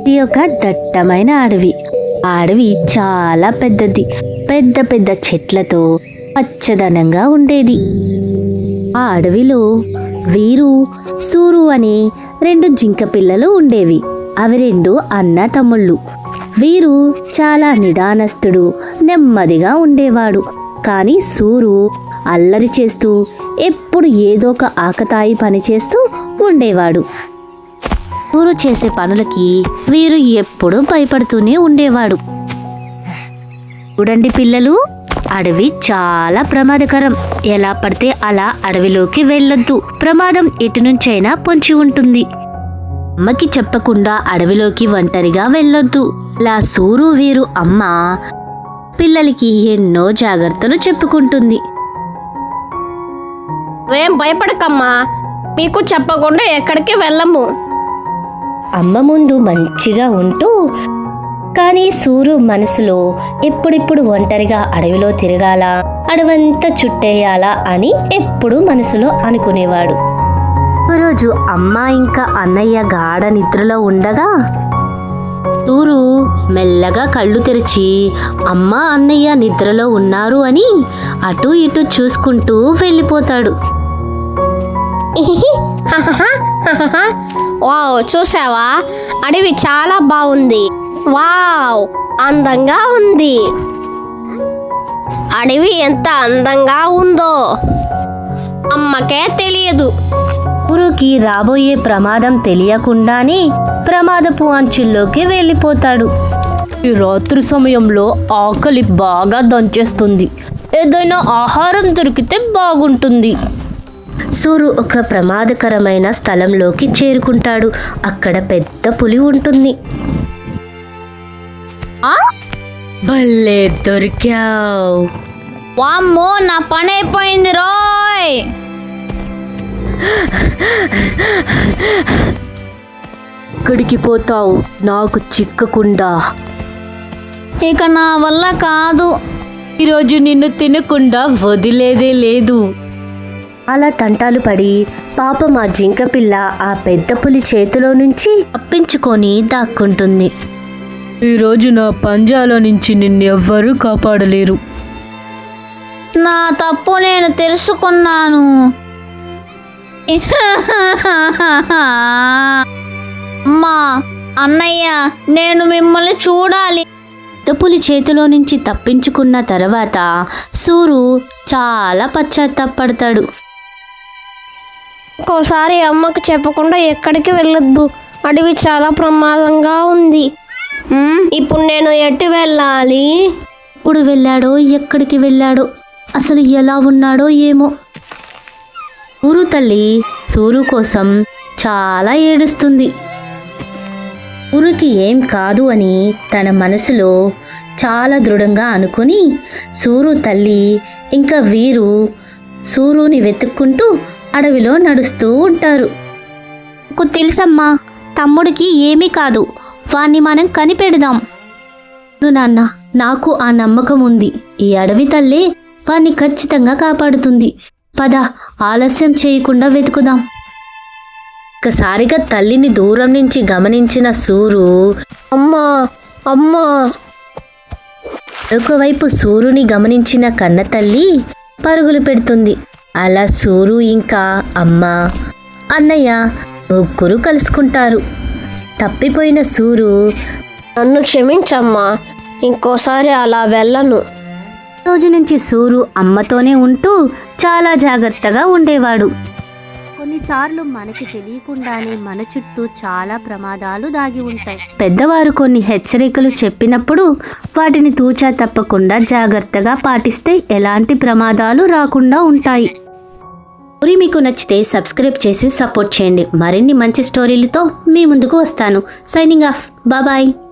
ఇది ఒక దట్టమైన అడవి. ఆ అడవి చాలా పెద్దది. పెద్ద పెద్ద చెట్లతో పచ్చదనంగా ఉండేది. ఆ అడవిలో వీరు, సూరు అనే 2 జింక పిల్లలు ఉండేవి. అవి 2 అన్న తమ్ముళ్ళు. వీరు చాలా నిదానస్తుడు, నెమ్మదిగా ఉండేవాడు. కానీ సూరు అల్లరి చేస్తూ ఎప్పుడు ఏదో ఒక ఆకతాయి పని చేస్తూ ఉండేవాడు. సూరు చేసే పనులకి వీరు ఎప్పుడూ భయపడుతూనే ఉండేవాడు. చూడండి పిల్లలు, అడవి చాలా ప్రమాదకరం. ఎలా పడితే అలా అడవిలోకి వెళ్ళొద్దు. ప్రమాదం ఎటు నుంచైనా పొంచి ఉంటుంది. అమ్మకి చెప్పకుండా అడవిలోకి ఒంటరిగా వెళ్ళొద్దు. ఇలా సూరు వీరు అమ్మ పిల్లలకి ఎన్నో జాగ్రత్తలు చెప్పుకుంటుంది. ఏం భయపడకమ్మా, మీకు చెప్పకుండా ఎక్కడికి వెళ్ళము. అమ్మ ముందు మంచిగా ఉంటూ, కానీ సూరు మనసులో ఎప్పుడెప్పుడు ఒంటరిగా అడవిలో తిరగాల, అడవంతా చుట్టేయాలా అని ఎప్పుడు మనసులో అనుకునేవాడు. ఒకరోజు అమ్మ ఇంకా అన్నయ్య గాఢ నిద్రలో ఉండగా సూరు మెల్లగా కళ్ళు తెరిచి అమ్మ అన్నయ్య నిద్రలో ఉన్నారు అని అటు ఇటు చూసుకుంటూ వెళ్ళిపోతాడు. వావ్, చూసావా? అడవి చాలా బాగుంది. వావ్, అందంగా ఉంది. అడవి ఎంత అందంగా ఉందో అమ్మకే తెలియదు. సూరుకి రాబోయే ప్రమాదం తెలియకుండానే ప్రమాదపు అంచుల్లోకి వెళ్ళిపోతాడు. ఈ రాత్రి సమయంలో ఆకలి బాగా దంచేస్తుంది. ఏదైనా ఆహారం దొరికితే బాగుంటుంది. సూరు ఒక ప్రమాదకరమైన స్థలంలోకి చేరుకుంటాడు. అక్కడ పెద్ద పులి ఉంటుంది. భలే దొరికావు. వామ్మో, నా పని అయిపోయింది రోయ్. ఎక్కడికి పోతావు నాకు చిక్కకుండా? ఇక నా వల్ల కాదు. ఈరోజు నిన్ను తినకుండా వదిలేదే లేదు. అలా తంటాలు పడి పాపం ఆ జింక పిల్ల ఆ పెద్ద పులి చేతిలో నుంచి తప్పించుకొని దాక్కుంటుంది. ఈరోజు నా పంజాలో నుంచి నిన్నెవ్వరూ కాపాడలేరు. నా తప్పు నేను తెలుసుకున్నాను. అమ్మా, అన్నయ్య, నేను మిమ్మల్ని చూడాలి. పులి చేతిలో నుంచి తప్పించుకున్న తర్వాత సూరు చాలా పశ్చాత్తాపడతాడు. ఇంకోసారి అమ్మకు చెప్పకుండా ఎక్కడికి వెళ్ళొద్దు. అడవి చాలా ప్రమాదంగా ఉంది. ఇప్పుడు నేను ఎటు వెళ్ళాలి? ఇప్పుడు వెళ్ళాడో, ఎక్కడికి వెళ్ళాడో, అసలు ఎలా ఉన్నాడో ఏమో. సూరు తల్లి సూరు కోసం చాలా ఏడుస్తుంది. సూరుకి ఏం కాదు అని తన మనసులో చాలా దృఢంగా అనుకుని సూరు తల్లి ఇంకా వీరు సూరుని వెతుక్కుంటూ అడవిలో నడుస్తూ ఉంటారు. నాకు తెలుసమ్మా, తమ్ముడికి ఏమీ కాదు. వాణ్ణి మనం కనిపెడదాం. నాన్న, నాకు ఆ నమ్మకం ఉంది. ఈ అడవి తల్లి వాణ్ణి ఖచ్చితంగా కాపాడుతుంది. పద, ఆలస్యం చేయకుండా వెతుకుదాం. ఒక్కసారిగా తల్లిని దూరం నుంచి గమనించిన సూరు అమ్మా అమ్మా మరొకవైపు సూరుని గమనించిన కన్న తల్లి పరుగులు పెడుతుంది. అలా సూరు ఇంకా అమ్మ అన్నయ్య ముగ్గురు కలుసుకుంటారు. తప్పిపోయిన సూరు, నన్ను క్షమించమ్మా, ఇంకోసారి అలా వెళ్ళను. రోజు నుంచి సూరు అమ్మతోనే ఉంటూ చాలా జాగ్రత్తగా ఉండేవాడు. కొన్నిసార్లు మనకి తెలియకుండానే మన చుట్టూ చాలా ప్రమాదాలు దాగి ఉంటాయి. పెద్దవారు కొన్ని హెచ్చరికలు చెప్పినప్పుడు వాటిని తూచా తప్పకుండా జాగ్రత్తగా పాటిస్తే ఎలాంటి ప్రమాదాలు రాకుండా ఉంటాయి. స్టోరీ మీకు నచ్చితే సబ్స్క్రైబ్ చేసి సపోర్ట్ చేయండి. మరిన్ని మంచి స్టోరీలతో మీ ముందుకు వస్తాను. Signing off. బాయ్.